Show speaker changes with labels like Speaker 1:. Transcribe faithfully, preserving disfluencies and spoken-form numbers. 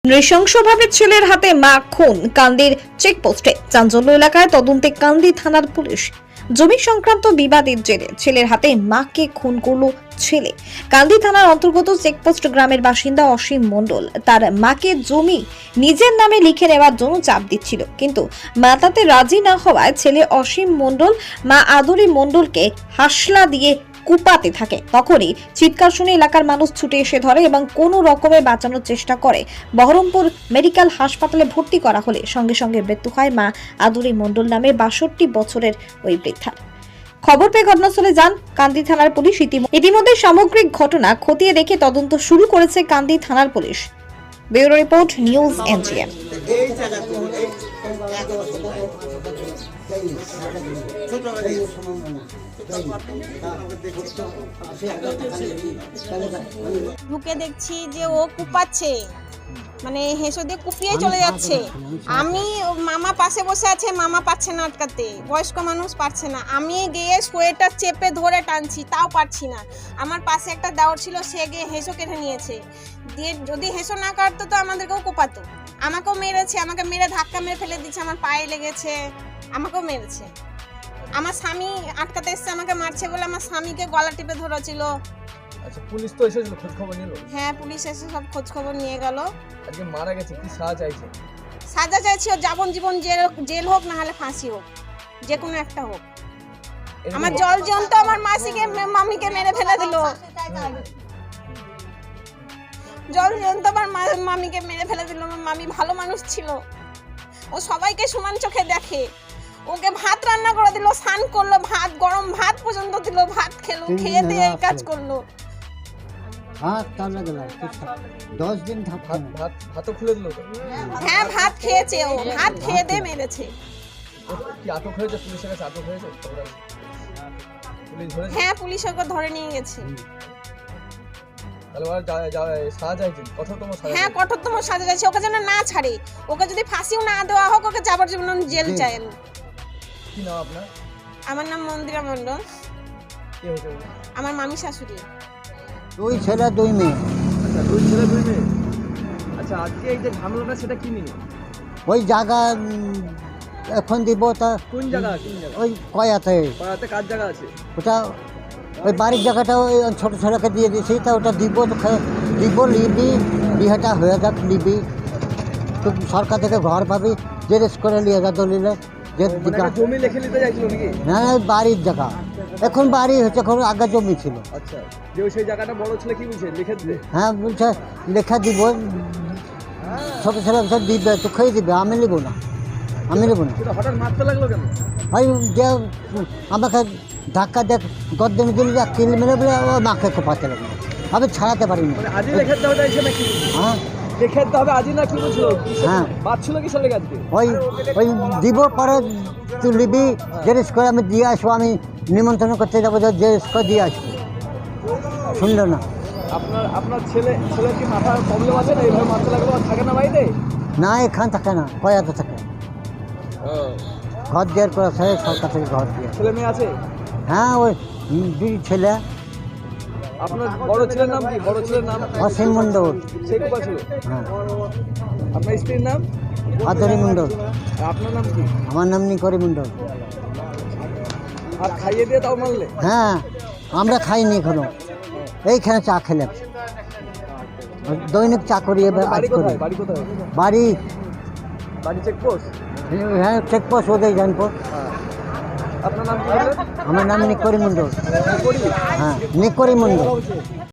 Speaker 1: নৃশংসভাবে ছেলের হাতে মা খুন, কান্দির চেকপোস্টে চাঞ্চল্য এলাকায় তদন্তে কান্দি থানার পুলিশ। জমি সংক্রান্ত বিবাদের জেরে ছেলের হাতে মাকে খুন করল ছেলে। কান্দি থানার অন্তর্গত চেকপোস্ট গ্রামের বাসিন্দা অসীম মণ্ডল তার মাকে জমি নিজের নামে লিখে নেওয়ার জন্য চাপ দিচ্ছিল, কিন্তু মা তাতে রাজি না হওয়ায় ছেলে অসীম মণ্ডল মা আদরি মণ্ডলকে হাসলা দিয়ে কুপাতে থাকে। তখনই চিৎকার শুনে এলাকার মানুষ ছুটে এসে ধরে এবং কোনো রকমে বাঁচানোর চেষ্টা করে। বহরমপুর মেডিকেল হাসপাতালে ভর্তি করা হলে সঙ্গে সঙ্গে মৃত্যু হয় মা আদুরি মণ্ডল নামে বাষট্টি বছরের ওই বৃদ্ধার। খবর পেয়ে ঘটনাস্থলে যান কান্দি থানার পুলিশ। ইতিমধ্যে সামগ্রিক ঘটনা খতিয়ে দেখে তদন্ত শুরু করেছে কান্দি থানার police. Bureau report, news NGM.
Speaker 2: ঢুকে দেখছি যে ও কুপাচ্ছে, মানে হেসো দিয়ে কুপিয়ে চলে যাচ্ছে। আমি মামা পাশে বসে আছে, মামা পাচ্ছে না আটকাতে, বয়স্ক মানুষ পারছে না। আমি গিয়ে সোয়েটার চেপে ধরে টানছি, তাও পারছি না। আমার পাশে একটা দেওর ছিল, সে গিয়ে হেসো কেটে নিয়েছে। দিয়ে যদি হেসো না কাটতো তো আমাদেরকেও কোপাতো। আমাকেও মেরেছে, আমাকে মেরে ধাক্কা মেরে ফেলে দিচ্ছে, আমার পায়ে লেগেছে, আমাকেও মেরেছে। আমার স্বামী আটকাতে এসছে, আমাকে মারছে বলে আমার স্বামীকে গলা টিপে ধরেছিল।
Speaker 3: আচ্ছা, পুলিশ তো এসেছিল, খোঁজ খবর নিল?
Speaker 2: হ্যাঁ, পুলিশ এসে সব খোঁজ খবর নিয়ে গেল।
Speaker 3: আজকে মারা গেছে, কি সাজা চাইছে?
Speaker 2: সাজা চাইছি ও যাবজ্জীবন জেল জেল হোক, না হলে ফাঁসি হোক, যে কোনো একটা হোক। আমার জল জন্ত আমার মাসিকে মামিকে মেরে ফেলে দিল। জল জন্ত আমার মামিকে মেরে ফেলে দিল। আমার মামি ভালো মানুষ ছিল, ও সবাইকে সমান চোখে দেখে। ওকে ভাত রান্না করে দিল, স্নান করলো, ভাত গরম ভাত পর্যন্ত দিল, ভাত খেলো, খেয়ে দিয়ে এই কাজ করলো।
Speaker 4: ভাত টানা গেল দশ দিন ভাত
Speaker 3: ভাত ভাতও খুলে দিল?
Speaker 2: হ্যাঁ, ভাত খেয়েছে, ও ভাত খেয়ে দিয়ে মেরেছে।
Speaker 3: কি আটক হয়েছে? পুলিশের কাছে আটক হয়েছে? পুলিশ ধরেছে?
Speaker 2: হ্যাঁ, পুলিশ ওকে ধরে নিয়ে গেছে।
Speaker 3: তাহলে ওরা সাজা চাইছে, কঠোরতম সাজা?
Speaker 2: হ্যাঁ, কঠোরতম সাজা চাইছে, ওকে যেন না ছাড়ে। ওকে যদি ফাঁসিও না দেওয়া হোক, ওকে যাবজ্জীবন জেল চাই আমি।
Speaker 3: কি নাম আপনার?
Speaker 2: আমার নাম মন্দিরা মণ্ডল।
Speaker 3: কে হয়েছে?
Speaker 2: আমার মামি শাশুড়ি।
Speaker 4: দুই ছেলে দুই মেয়ে।
Speaker 3: আচ্ছা, দুই ছেলে দুই মেয়ে। আচ্ছা, আজকে এই যে ঝামেলাটা, সেটা কি নিয়ে?
Speaker 4: ওই জায়গা এখন দিব তা
Speaker 3: কোন জায়গা? কোন জায়গা?
Speaker 4: ওই কয়াতে।
Speaker 3: পাড়াতে কার জায়গা আছে?
Speaker 4: ওটা ওই বাড়ির জায়গাটা ওই ছোটো ছেলেকে দিয়ে দিয়েছি, তা ওটা দিব তো দিব লিবি, বিয়েটা হয়ে যাক লিবি, তো সরকার থেকে ঘর পাবি, জেরেস করে নিয়ে যা দলিলে।
Speaker 3: জমি লিখে নিতে চাইছিল নাকি?
Speaker 4: হ্যাঁ, বাড়ির জায়গা এখন বাড়ি হচ্ছে, এখন আগে জমি ছিল।
Speaker 3: আচ্ছা, যে ওই সেই জায়গাটা বড় ছেলে কি বলছে, লিখে দিতে?
Speaker 4: হ্যাঁ, বলছে লেখা দিব, ছোটো ছেলে বলছে দিবে, তো খেয়ে দিবে, আমি নেবো না, আমি নেবো না।
Speaker 3: সেটা হঠাৎ মারতে লাগলো কেন?
Speaker 4: ওই যে আমাকে ধাক্কা দেখ গদ্দমে দিল, যা কিল মেরে বলে ও মাকে কোপাতে লাগলো, আমি ছাড়াতে পারিনি।
Speaker 3: মানে আজই লেখে দেওয়া চাইছে নাকি?
Speaker 4: হ্যাঁ,
Speaker 3: লেখে দিতে হবে আজই না, কি বলছিল?
Speaker 4: হ্যাঁ,
Speaker 3: বাচ্ছিল কিসের লেগে আজকে?
Speaker 4: ওই ওই দিব, পরে তুই নিবি, জেরেস করে আমি দিয়ে আসবো, আমি নিমন্ত্রণ করতে যাবো, জেরেস করে দিয়ে আসবো। শুনলো না।
Speaker 3: আপনার আপনার ছেলে ছেলের কি মাথার প্রবলেম আছে না? এইভাবে মারতে লাগলো? আর থাকে না বাড়িতে?
Speaker 4: না, এখান থাকে না, কয়াতে থাকে। ঘর দেওয়ার করে আছে, সরকার থেকে ঘর দিয়ে।
Speaker 3: ছেলে মেয়ে আছে?
Speaker 4: হ্যাঁ, ওই দুই ছেলে।
Speaker 3: আপনার বড় ছেলের নাম কি? বড় ছেলের নাম
Speaker 4: অসীম মণ্ডল।
Speaker 3: সে কোথায় ছিল?
Speaker 4: হ্যাঁ,
Speaker 3: আপনার স্ত্রীর নাম?
Speaker 4: আদরি মণ্ডল।
Speaker 3: আর আপনার নাম কি?
Speaker 4: আমার নাম নিকরি মণ্ডল।
Speaker 3: আর খাইয়ে দিয়ে তাও মারলে?
Speaker 4: হ্যাঁ, আমরা খাইনি এখনো, এইখানে চা খেলাম, দৈনিক চা করি এবার আজ
Speaker 3: বাড়ি
Speaker 4: করি।
Speaker 3: কোথায়? বাড়ি কোথায়?
Speaker 4: বাড়ি
Speaker 3: বাড়ি চেকপোস্ট?
Speaker 4: হ্যাঁ, চেকপোস্ট ওদের জানবো।
Speaker 3: আপনার নাম কি বললেন?
Speaker 4: আমার নাম নিকরি মণ্ডল।
Speaker 3: করি?
Speaker 4: হ্যাঁ, নিকরি মণ্ডল।